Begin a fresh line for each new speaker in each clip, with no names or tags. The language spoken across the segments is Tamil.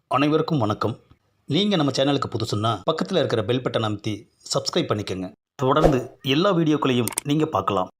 அனைவருக்கும் வணக்கம். நீங்கள் நம்ம சேனலுக்கு புதுசுன்னா பக்கத்தில் இருக்கிற பெல் பட்டன் அமைத்தி சப்ஸ்கிரைப் பண்ணிக்கோங்க. தொடர்ந்து எல்லா வீடியோக்களையும் நீங்கள் பார்க்கலாம்.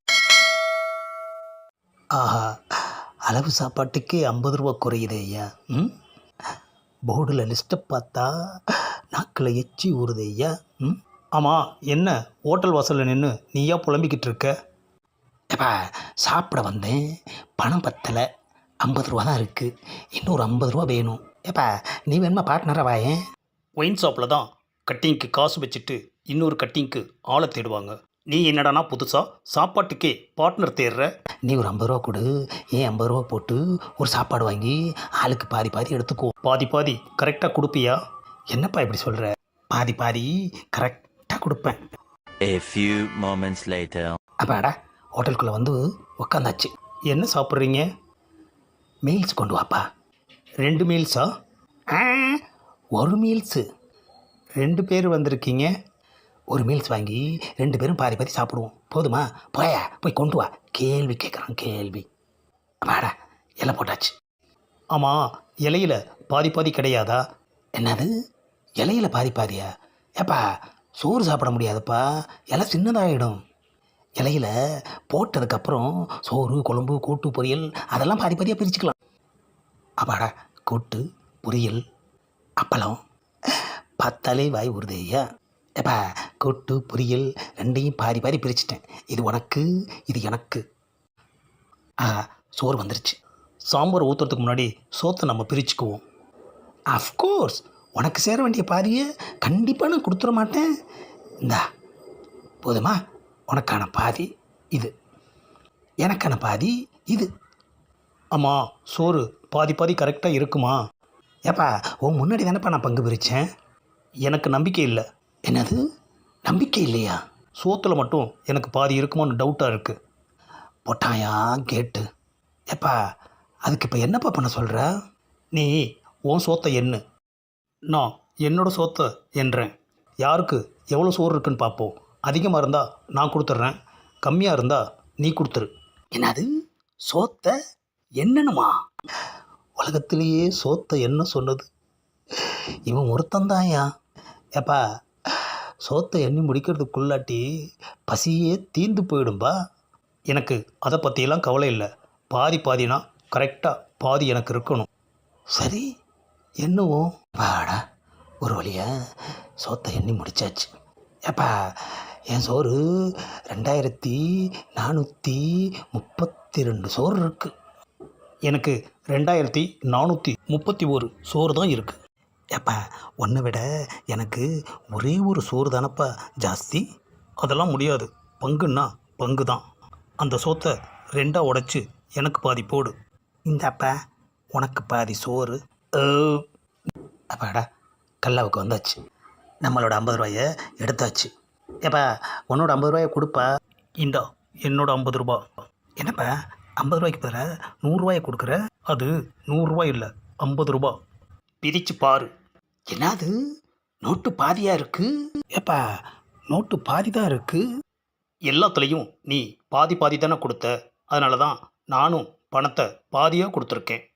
ஆஹா, அளவு சாப்பாட்டுக்கே 50 ரூபா குறையுதே ஐயா. போர்டில் லிஸ்ட்டை பார்த்தா நாக்கில் எச்சி ஊறுதே ஐயா. ஆமாம், என்ன ஹோட்டல் வாசலில் நின்று நீயா புலம்பிக்கிட்டு இருக்க? ஏப்பா, சாப்பிட வந்தேன், பணம் பத்தலை, 50 ரூபா தான் இருக்குது, இன்னொரு 50 ரூபா வேணும். ஏப்பா, நீ வேணுமா பார்ட்னராக வாயேன்? ஒயின் ஷாப்பில் தான் கட்டிங்க்கு காசு வச்சுட்டு இன்னொரு கட்டிங்க்கு ஆளை தேடுவாங்க. நீ என்னடானா புதுசாக சாப்பாட்டுக்கே பார்ட்னர் தேடுற? நீ ஒரு 50 ரூபா கொடு, ஏன் 50 ரூபா போட்டு ஒரு சாப்பாடு வாங்கி ஆளுக்கு பாதி பாதி எடுத்துக்கோ. பாதி பாதி கரெக்டாக கொடுப்பியா? என்னப்பா இப்படி சொல்கிற? பாதி பாதி கரெக்டாக கொடுப்பேன்.
A few moments later.
அப்பாடா, ஹோட்டலுக்குள்ளே வந்து உக்காந்தாச்சு. என்ன சாப்பிட்றீங்க? மீல்ஸ் கொண்டு வாப்பா. 2 மீல்ஸா? ஒரு மீல்ஸு. 2 பேர் வந்திருக்கீங்க, ஒரு மீல்ஸ் வாங்கி 2 பேரும் பாதி பாதி சாப்பிடுவோம். போதுமா? போய் கொண்டு வா. கேள்வி கேட்குறான், கேள்வி. வாடா, இலை போட்டாச்சு. ஆமாம், இலையில் பாதி பாதி கிடையாதா? என்னது, இலையில் பாதி பாதியா? ஏப்பா, சோறு சாப்பிட முடியாதுப்பா, இலை சின்னதாகிடும். இலையில் போட்டதுக்கப்புறம் சோறு, குழம்பு, கூட்டு, பொரியல் அதெல்லாம் பாதி பாதியாக பிரிச்சுக்கலாம். அப்பாடா, கூட்டு, பொரியல், அப்பளம், பார்த்தாலே வாய் ஊறுதே ஐயா. ஏப்பா, கூட்டு, பொரியல் ரெண்டையும் பாதி பாதி பிரிச்சுட்டேன். இது உனக்கு, இது எனக்கு. சோறு வந்துருச்சு. சாம்பார் ஊற்றுறதுக்கு முன்னாடி சோத்தை நம்ம பிரிச்சுக்குவோம். அஃப்கோர்ஸ், உனக்கு சேர வேண்டிய பாதியை கண்டிப்பாக நான் கொடுத்துட மாட்டேன். இந்தா, போதுமா? உனக்கான பாதி இது, எனக்கான பாதி இது. ஆமாம், சோறு பாதி பாதி கரெக்டாக இருக்குமா? ஏப்பா, உன் முன்னாடி தானேப்பா நான் பங்கு பிரித்தேன். எனக்கு நம்பிக்கை இல்லை. என்னது, நம்பிக்கை இல்லையா? சோத்தில் மட்டும் எனக்கு பாதி இருக்குமோன்னு டவுட்டாக இருக்குது. போட்டாயா கேட்டு? ஏப்பா, அதுக்கு இப்போ என்னப்பா பண்ண சொல்கிற? நீ உன் சோத்தை எண்ணு, நான் என்னோடய சோத்தை எண்ணுறேன். யாருக்கு எவ்வளோ சோறு இருக்குன்னு பார்ப்போம். அதிகமாக இருந்தால் நான் கொடுத்துட்றேன், கம்மியாக இருந்தால் நீ கொடுத்துரு. என்னது, சோத்தை என்னணுமா? உலகத்திலேயே சோத்தை என்ன சொன்னது இவன் ஒருத்தந்தாயா? ஏப்பா, சோத்தை எண்ணி முடிக்கிறதுக்குள்ளாட்டி பசியே தீர்ந்து போயிடும்பா. எனக்கு அதை பற்றியெல்லாம் கவலை இல்லை. பாதி பாதினா கரெக்டாக பாதி எனக்கு இருக்கணும். சரி, என்னவும் வாடா, ஒரு வழியாக சோத்தை எண்ணி முடிச்சாச்சு. ஏப்பா, என் சோறு 2432 சோறு இருக்குது. எனக்கு 2431 சோறு தான் இருக்குது. ஏப்பா, உன்னை விட எனக்கு ஒரே ஒரு சோறு தானப்பா ஜாஸ்தி. அதெல்லாம் முடியாது. பங்குன்னா பங்கு தான். அந்த சோத்தை 2ஆக உடைச்சி எனக்கு பாதி போடு. இந்தாப்பா, உனக்கு பாதி சோறு. அப்பாடா, கல்லாவுக்கு வந்தாச்சு. நம்மளோட 50 ரூபாயை எடுத்தாச்சு. ஏப்பா, உன்னோட 50 ரூபாயை கொடுப்பா. இந்தா, என்னோட 50 ரூபா. என்னப்பா, 50 ரூபாய்க்கு பதிலாக 100 ரூபாயை கொடுக்குற? அது 100 ரூபாய் இல்லை, 50 ரூபா. பிரித்து பாரு. என்னது, நோட்டு பாதியாக இருக்குது? ஏப்பா, நோட்டு பாதி தான் இருக்குது. எல்லாத்துலேயும் நீ பாதி பாதி தானே கொடுத்த, அதனால தான் நானும் பணத்தை பாதியாக கொடுத்துருக்கேன்.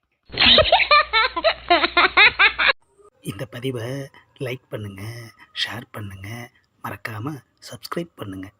இந்த பதிவை லைக் பண்ணுங்கள், ஷேர் பண்ணுங்கள், மறக்காமல் சப்ஸ்கிரைப் பண்ணுங்கள்.